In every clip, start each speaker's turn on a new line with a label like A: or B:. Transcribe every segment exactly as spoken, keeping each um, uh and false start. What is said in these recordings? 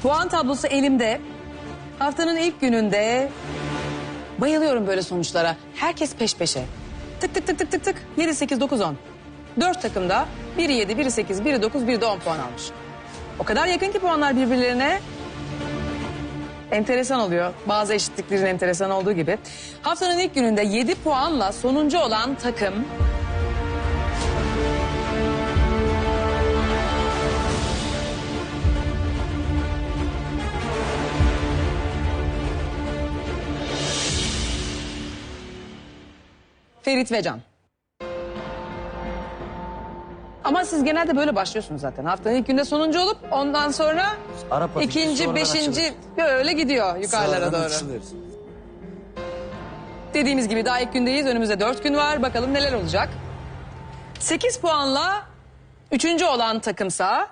A: Puan tablosu elimde. Haftanın ilk gününde bayılıyorum böyle sonuçlara. Herkes peş peşe. Tık tık tık tık tık tık. yedi, sekiz, dokuz, on. Dört takımda biri yedi, biri sekiz, biri dokuz, biri de on puan almış. O kadar yakın ki puanlar birbirlerine. Enteresan oluyor. Bazı eşitliklerin enteresan olduğu gibi. Haftanın ilk gününde yedi puanla sonuncu olan takım... Ferit ve Can. Ama siz genelde böyle başlıyorsunuz zaten. Haftanın ilk günde sonuncu olup ondan sonra
B: Arap hafif,
A: ikinci,
B: sonradan
A: beşinci
B: açılır.
A: böyle gidiyor yukarılara
B: Sonradan
A: doğru.
B: açılır.
A: Dediğimiz gibi daha ilk gündeyiz. Önümüzde dört gün var. Bakalım neler olacak. Sekiz puanla üçüncü olan takımsa...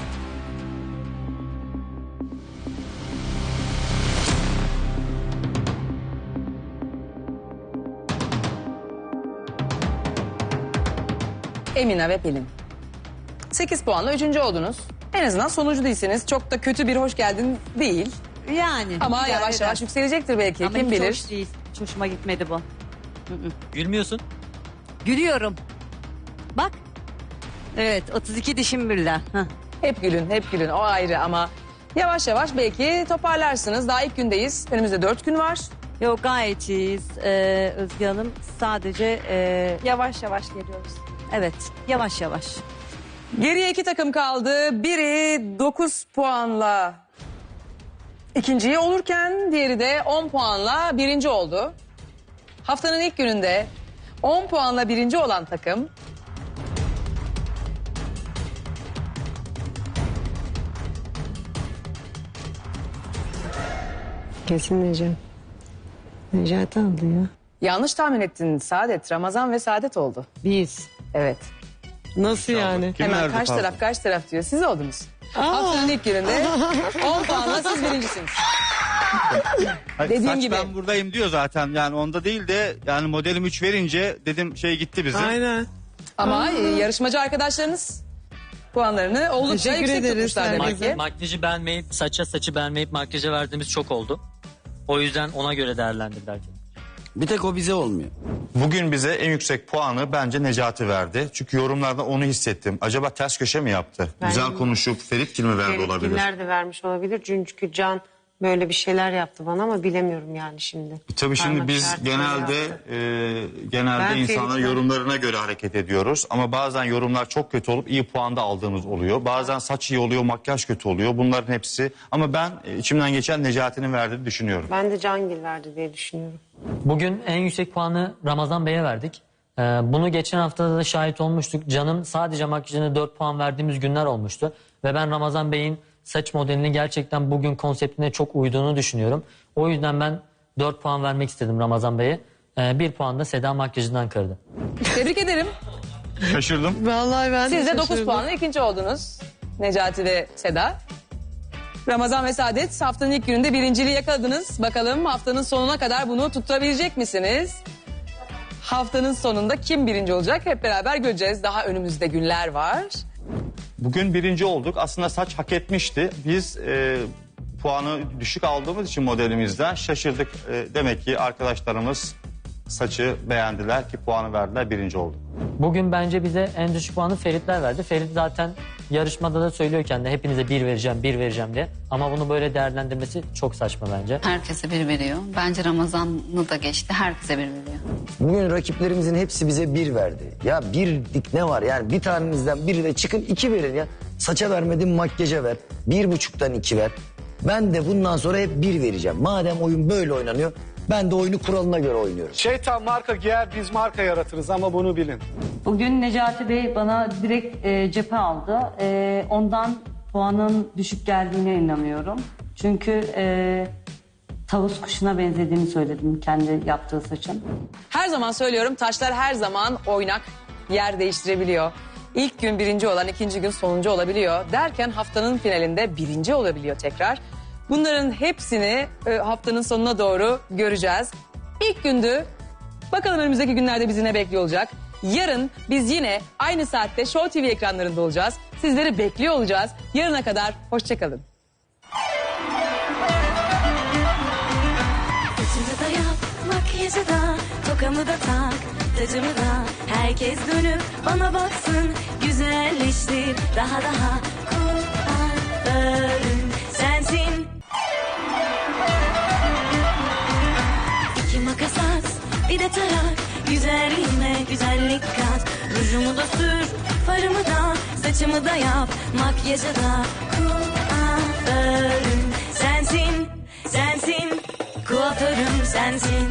A: Emine ve Pelin. Sekiz puanla üçüncü oldunuz. En azından sonuncu değilsiniz. Çok da kötü bir hoş geldin değil.
C: Yani.
A: Ama
C: idare
A: yavaş
C: eder.
A: yavaş yükselecektir belki.
C: Ama
A: Kim
C: hiç
A: bilir.
C: hoş değil. Hiç hoşuma gitmedi bu.
D: Gülmüyorsun.
C: Gülüyorum. Bak. Evet, otuz iki dişim birden. Hah.
A: Hep gülün, hep gülün. O ayrı ama yavaş yavaş belki toparlarsınız. Daha ilk gündeyiz. Önümüzde dört gün var.
C: Yok, gayet iyiyiz ee, Özge Hanım. Sadece ee,
E: Yavaş yavaş geliyoruz.
C: evet, yavaş yavaş.
A: Geriye iki takım kaldı. Biri dokuz puanla ikinciyi olurken diğeri de on puanla birinci oldu. Haftanın ilk gününde on puanla birinci olan takım...
F: Kesin Necati. Necati aldı ya.
A: Yanlış tahmin ettin Saadet. Ramazan ve Saadet oldu.
F: Biz.
A: Evet.
F: Nasıl yani?
A: Hemen kaç taraf kaç taraf diyor. Siz oldunuz. Haftanın ilk gününde on puanla siz birincisiniz.
G: Hayır,
A: Dediğim
G: saç
A: gibi.
G: ben buradayım diyor zaten. Yani onda değil de yani modelim üç verince dedim şey gitti bizim.
F: Aynen.
A: Ama e, yarışmacı arkadaşlarınız puanlarını oldukça
F: Teşekkür
A: yüksek
F: ederiz
A: tutmuşlar demek
F: herkese.
A: ki.
D: Makyajı beğenmeyip, saça saçı beğenmeyip makyaja verdiğimiz çok oldu. O yüzden ona göre değerlendirdiler.
B: Bir tek o bize olmuyor.
G: Bugün bize en yüksek puanı bence Necati verdi. Çünkü yorumlarda onu hissettim. Acaba ters köşe mi yaptı? Güzel konuşup Ferit mi verdi olabilir?
H: Feritgiller de vermiş olabilir. Çünkü Can böyle bir şeyler yaptı bana ama bilemiyorum yani şimdi.
G: Tabii şimdi
H: Parmak
G: biz
H: işareti
G: genelde
H: yaptı.
G: e, genelde
H: Ben
G: insanların
H: Ferit'ten-
G: yorumlarına göre hareket ediyoruz. Ama bazen yorumlar çok kötü olup iyi puan da aldığımız oluyor. Bazen saç iyi oluyor, makyaj kötü oluyor. Bunların hepsi. Ama ben e, içimden geçen Necati'nin verdiğini düşünüyorum.
H: Ben de Cangil verdi diye düşünüyorum.
D: Bugün en yüksek puanı Ramazan Bey'e verdik. Ee, bunu geçen haftada da şahit olmuştuk. Can'ın sadece makyajına dört puan verdiğimiz günler olmuştu. Ve ben Ramazan Bey'in saç modelini gerçekten bugün konseptine çok uyduğunu düşünüyorum. O yüzden ben dört puan vermek istedim Ramazan Bey'e. Ee, bir puan da Seda makyajından kırdı.
A: Tebrik ederim.
G: Şaşırdım.
F: Vallahi ben
A: Siz de dokuz
F: şaşırdım.
A: puanla ikinci oldunuz. Necati ve Seda. Ramazan ve Saadet haftanın ilk gününde birinciliği yakaladınız. Bakalım haftanın sonuna kadar bunu tutabilecek misiniz? Haftanın sonunda kim birinci olacak hep beraber göreceğiz. Daha önümüzde günler var.
G: Bugün birinci olduk. Aslında saç hak etmişti. Biz e, puanı düşük aldığımız için modelimizden şaşırdık. E, demek ki arkadaşlarımız saçı beğendiler ki puanı verdiler, birinci olduk.
D: Bugün bence bize en düşük puanı Feritler verdi. Ferit zaten yarışmada da söylüyor kendine hepinize bir vereceğim, bir vereceğim diye. Ama bunu böyle değerlendirmesi çok saçma bence.
I: Herkese bir veriyor. Bence Ramazan'ı da geçti. Herkese bir veriyor.
B: Bugün rakiplerimizin hepsi bize bir verdi. Ya birlik ne var yani bir tanenizden biri de çıkın iki verin ya. Saça vermedin makyaja ver. Bir buçuktan iki ver. Ben de bundan sonra hep bir vereceğim. Madem oyun böyle oynanıyor ben de oyunu kuralına göre oynuyorum.
J: Şeytan marka giyer, biz marka yaratırız ama bunu bilin.
C: Bugün Necati Bey bana direkt e, cephe aldı. E, ondan puanın düşük geldiğine inanıyorum. Çünkü e, tavus kuşuna benzediğini söyledim kendi yaptığı saçın.
A: Her zaman söylüyorum taşlar her zaman oynak, yer değiştirebiliyor. İlk gün birinci olan ikinci gün sonuncu olabiliyor. Derken haftanın finalinde birinci olabiliyor tekrar. Bunların hepsini e, haftanın sonuna doğru göreceğiz. İlk gündü. Bakalım önümüzdeki günlerde bizi ne bekliyor olacak. Yarın biz yine aynı saatte Show T V ekranlarında olacağız. Sizleri bekliyor olacağız. Yarına kadar hoşça kalın.
E: Rujumu da tak, tacımı da. Herkes dönüp bana baksın. Güzelleştir daha daha. Kuaförüm sensin. İki makas at, bir de tarak. Güzelliğime güzellik kat. Rujumu da sür, farımı da. Saçımı da yap, makyajı da. Kuaförüm sensin, sensin. Kuaförüm sensin.